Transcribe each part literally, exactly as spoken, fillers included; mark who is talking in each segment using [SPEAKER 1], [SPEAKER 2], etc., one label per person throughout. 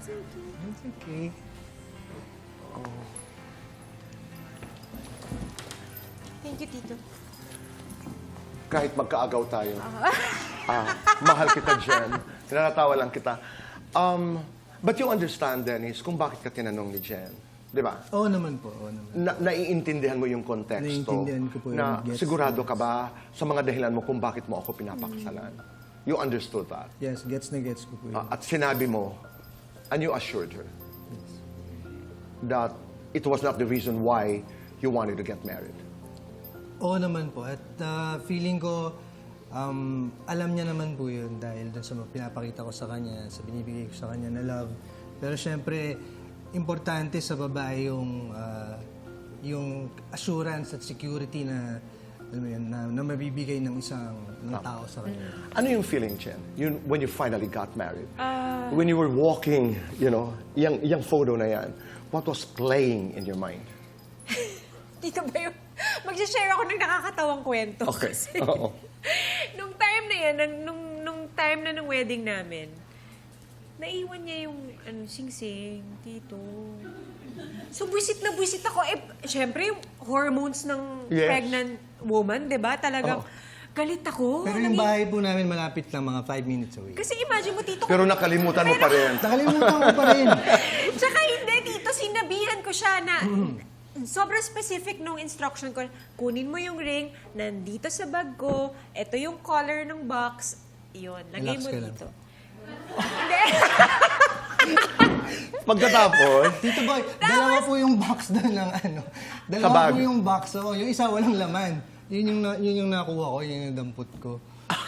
[SPEAKER 1] It's okay.
[SPEAKER 2] Oh.
[SPEAKER 3] Thank you, Tito.
[SPEAKER 2] Kahit magkaagaw tayo, ah, mahal kita, Jen. Tinatawa lang kita. Um, but you understand, Dennis, kung bakit ka tinanong ni Jen. Di ba?
[SPEAKER 1] Oo naman po, oo naman.
[SPEAKER 2] Na, naiintindihan mo yung konteksto.
[SPEAKER 1] Naiintindihan ko po
[SPEAKER 2] na
[SPEAKER 1] yung gets.
[SPEAKER 2] sigurado ka ba sa mga dahilan mo kung bakit mo ako pinapakasalan? You understood that.
[SPEAKER 1] Yes, gets na gets ko po yun.
[SPEAKER 2] Ah, at sinabi mo, and you assured her that it was not the reason why you wanted to get married.
[SPEAKER 1] Oo naman po. At ah, feeling ko, um, alam niya naman po yun dahil dun sa mga pinapakita ko sa kanya, sa binibigay ko sa kanya na love. Pero syempre, importante sa babae yung, ah, yung assurance at security na, alam mo yun, na, na mabibigay ng isang ng tao sa kanya.
[SPEAKER 2] Ano yung feeling, Jen, yun, when you finally got married? When you were walking, you know, yung, yung photo na yan, what was playing in your mind?
[SPEAKER 3] Tito ba yung... Mag-share ako ng nakakatawang kwento.
[SPEAKER 2] Okay.
[SPEAKER 3] Kasi
[SPEAKER 2] Oo.
[SPEAKER 3] nung time na yan, nung, nung, nung time na ng wedding namin, naiwan niya yung ano, sing-sing, Tito. So, buwisit na buwisit ako. Eh, syempre, yung hormones ng
[SPEAKER 2] Yes.
[SPEAKER 3] pregnant woman, di ba? Talagang
[SPEAKER 2] Oo.
[SPEAKER 3] galit ako.
[SPEAKER 1] Pero yung
[SPEAKER 3] Nani-
[SPEAKER 1] bahay po namin malapit lang, mga five minutes away.
[SPEAKER 3] Kasi imagine mo, Tito.
[SPEAKER 2] Pero nakalimutan mo pa rin.
[SPEAKER 1] Nakalimutan ko pa rin.
[SPEAKER 3] Tsaka hindi, Tito, sinabihan ko siya na sobrang specific nung instruction ko. Kunin mo yung ring, nandito sa bag ko, ito yung color ng box, yun, lagay
[SPEAKER 1] Relax
[SPEAKER 3] mo
[SPEAKER 1] ka lang.
[SPEAKER 3] dito. Hindi.
[SPEAKER 2] Pagkatapos,
[SPEAKER 1] Tito Boy, dalawa po yung box doon ng ano. Dalawa
[SPEAKER 2] Sa bag.
[SPEAKER 1] po yung box. Oo, yung isa walang laman. Yun yung, na, yun yung nakuha ko, yun yung dampot ko.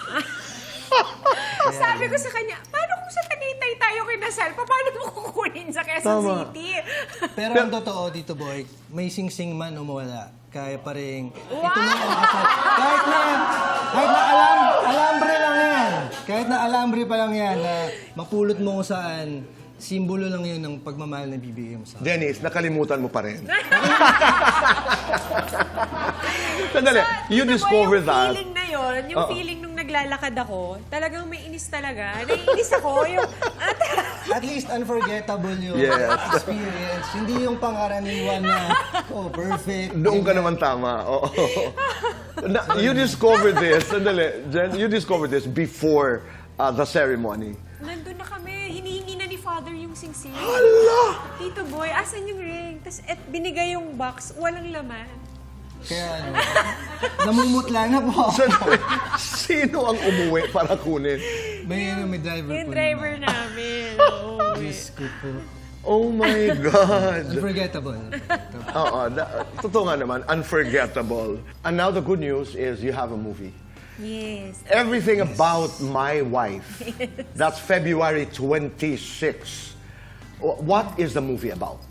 [SPEAKER 3] Sabi ko sa kanya, paano kung sa Tagaytay tayo kinasal, paano mo kukunin sa Quezon
[SPEAKER 2] Tama.
[SPEAKER 3] City?
[SPEAKER 1] Pero ang totoo, Tito Boy, may sing-sing man o mawala. Kaya pa rin, ito na ang kasal. Kahit na, kahit na alam, alambre lang yan. Kahit na alambre pa lang yan, na mapulot mo kung saan, simbolo lang yun ng pagmamahal na bibigay mo sa akin.
[SPEAKER 2] Dennis, nakalimutan mo pa rin. Sandali, you
[SPEAKER 3] Tito Boy,
[SPEAKER 2] discovered
[SPEAKER 3] yung
[SPEAKER 2] that.
[SPEAKER 3] feeling na yun, yung
[SPEAKER 2] Oo.
[SPEAKER 3] feeling nung naglalakad ako, talagang may inis talaga. Naiinis ako. Yung,
[SPEAKER 1] At least unforgettable yung
[SPEAKER 2] Yes.
[SPEAKER 1] experience. Hindi yung pangkaraniwan na, oh, perfect.
[SPEAKER 2] Doon ka naman tama. Oo. Na, you discovered this, sandali, Jen, you discovered this before uh, the ceremony.
[SPEAKER 3] nandun na kami. Hinihingi na ni Father yung singsing.
[SPEAKER 2] Hala!
[SPEAKER 3] Tito Boy, asan yung ring? Tapos et, binigay yung box, walang laman.
[SPEAKER 1] Kaya ano, namumutla na po ako.
[SPEAKER 2] Sandali, sino ang umuwi para kunin?
[SPEAKER 1] May, ano, may driver
[SPEAKER 3] Yung
[SPEAKER 1] po
[SPEAKER 3] driver
[SPEAKER 1] naman.
[SPEAKER 3] namin. Oo.
[SPEAKER 1] Diyos ko po.
[SPEAKER 2] Oh my God!
[SPEAKER 1] Unforgettable.
[SPEAKER 2] Oo, da- totoo nga naman, unforgettable. And now the good news is you have a movie.
[SPEAKER 3] Yes.
[SPEAKER 2] Everything About My Wife. That's February twenty-sixth. Wh- What is the movie about?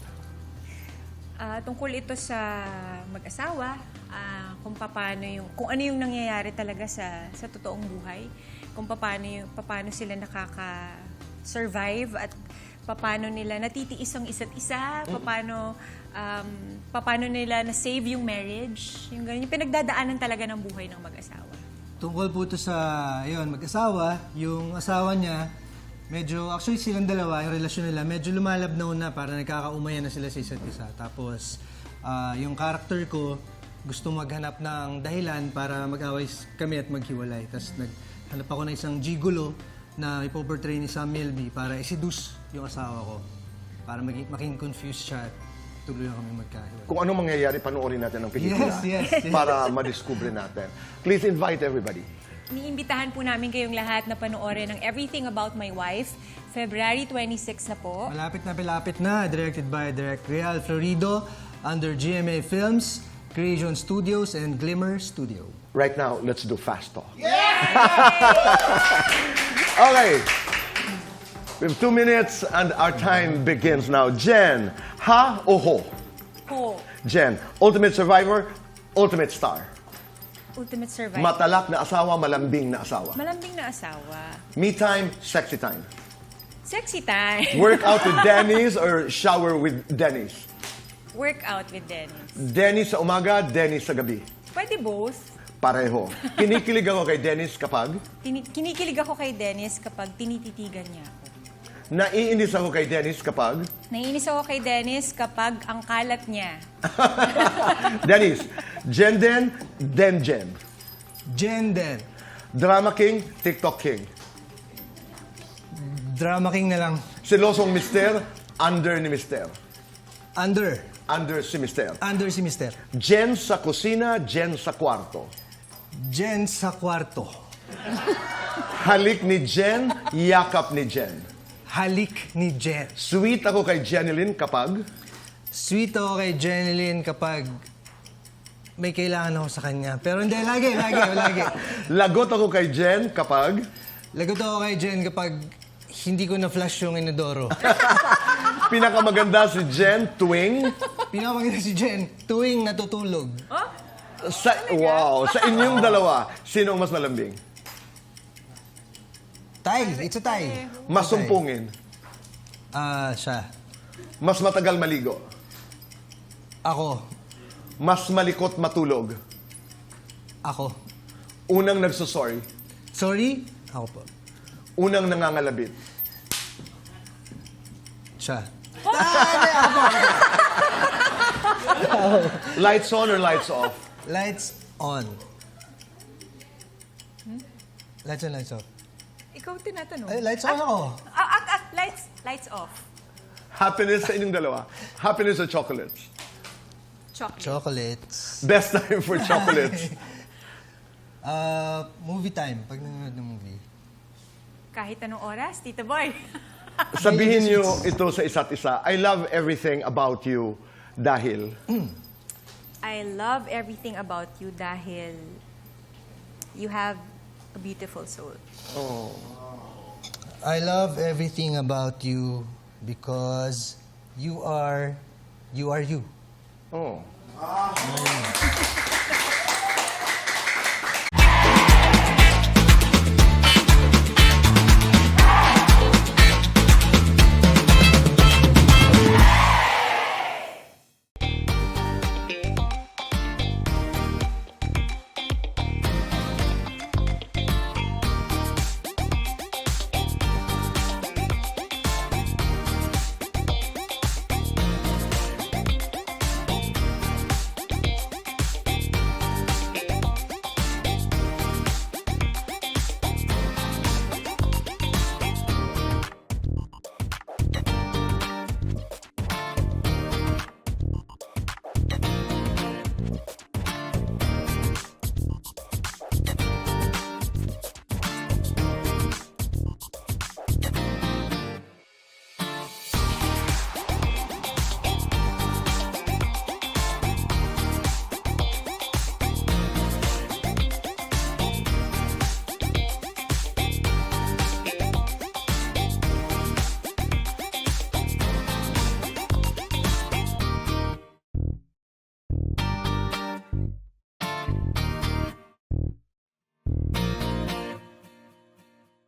[SPEAKER 3] Ah, tungkol ito sa mag-asawa, ah, kung paano yung kung ano yung nangyayari talaga sa sa totoong buhay, kung paano yung paano sila nakaka-survive at paano nila natitiis ang isa't isa, paano um, paano nila na-save yung marriage, yung ganyan, yung pinagdadaanan talaga ng buhay ng mag-asawa.
[SPEAKER 1] Tungkol po ito sa, yun, mag-asawa. Yung asawa niya, medyo, actually silang dalawa, yung relasyon nila, medyo lumalabnaw na para nagkakaumayan na sila sa isa't isa. Tapos, ah, yung character ko, gusto maghanap ng dahilan para mag-away kami at maghiwalay. Tapos naghanap ako ng isang gigolo na ipoportray ni Sam Milby para i-seduce yung asawa ko. Para maging, maging confused siya at tuloy kami magkahiwalay.
[SPEAKER 2] Kung ano mangyayari, panoorin natin ang pelikula.
[SPEAKER 1] Yes, yes, yes.
[SPEAKER 2] Para madiscover natin. Please invite everybody.
[SPEAKER 3] Iniimbitahan po namin kayong lahat na panoorin ng Everything About My Wife, February twenty-sixth na po.
[SPEAKER 1] Malapit na malapit na, directed by Direct Real Florido under G M A Films, Creation Studios, and Glimmer Studio.
[SPEAKER 2] Right now, let's do fast talk. Okay. We have two minutes and our time begins now. Jen, ha o ho?
[SPEAKER 3] Ho,
[SPEAKER 2] Jen, ultimate survivor, ultimate star.
[SPEAKER 3] Ultimate Survivor.
[SPEAKER 2] Matalak na asawa, malambing na asawa.
[SPEAKER 3] Malambing na asawa.
[SPEAKER 2] Me time, sexy time.
[SPEAKER 3] Sexy time.
[SPEAKER 2] Work out with Dennis or shower with Dennis?
[SPEAKER 3] Work out with Dennis.
[SPEAKER 2] Dennis sa umaga, Dennis sa gabi.
[SPEAKER 3] Pwede both.
[SPEAKER 2] Pareho. Kinikilig ako kay Dennis kapag
[SPEAKER 3] Tini- kinikilig ako kay Dennis kapag tinititigan niya ako.
[SPEAKER 2] Naiinis ako kay Dennis kapag...
[SPEAKER 3] Naiinis ako kay Dennis kapag ang kalat niya.
[SPEAKER 2] Dennis, Jen Den, Den Jen.
[SPEAKER 1] Jen Den.
[SPEAKER 2] Drama King, TikTok King.
[SPEAKER 1] Drama king na lang.
[SPEAKER 2] Silosong Mister, under ni Mister.
[SPEAKER 1] Under.
[SPEAKER 2] Under si Mister.
[SPEAKER 1] Under si Mister.
[SPEAKER 2] Jen sa kusina, Jen sa kwarto.
[SPEAKER 1] Jen sa kwarto.
[SPEAKER 2] Halik ni Jen, yakap ni Jen.
[SPEAKER 1] Halik ni Jen.
[SPEAKER 2] Sweet ako kay Jeneline kapag...
[SPEAKER 1] Sweet ako kay Jeneline kapag may kailangan ako sa kanya. Pero hindi, lagi, lagi, lagi.
[SPEAKER 2] Lagot ako kay Jen kapag...
[SPEAKER 1] Lagot ako kay Jen kapag hindi ko na-flush yung inodoro.
[SPEAKER 2] Pinakamaganda si Jen tuwing...
[SPEAKER 1] Pinapaganda si Jen tuwing natutulog.
[SPEAKER 2] Sa, wow, sa inyong dalawa, sino ang mas malambing?
[SPEAKER 1] Tay, it's a tie.
[SPEAKER 2] Mas sumpungin?
[SPEAKER 1] Ah, siya.
[SPEAKER 2] Mas matagal maligo?
[SPEAKER 1] Ako.
[SPEAKER 2] Mas malikot matulog?
[SPEAKER 1] Ako.
[SPEAKER 2] Unang nagsusorry?
[SPEAKER 1] Sorry? Ako po.
[SPEAKER 2] Unang nangangalabit?
[SPEAKER 1] Siya.
[SPEAKER 2] Lights on or lights off?
[SPEAKER 1] Lights on. Lights on, lights off.
[SPEAKER 3] Ikaw tinatanong.
[SPEAKER 1] Ay, lights on ako.
[SPEAKER 3] Ah, ah, ah, lights, lights off.
[SPEAKER 2] Happiness sa inyong dalawa? Happiness or chocolates?
[SPEAKER 3] Chocolate.
[SPEAKER 1] Chocolates.
[SPEAKER 2] Best time for chocolates?
[SPEAKER 1] Uh, movie time. Pag nanonood ng movie.
[SPEAKER 3] Kahit anong oras, Tito Boy.
[SPEAKER 2] Sabihin niyo ito sa isa't isa. I love everything about you dahil...
[SPEAKER 3] I love everything about you dahil you have a beautiful soul.
[SPEAKER 1] I love everything about you because you are, you are you.
[SPEAKER 2] Oh.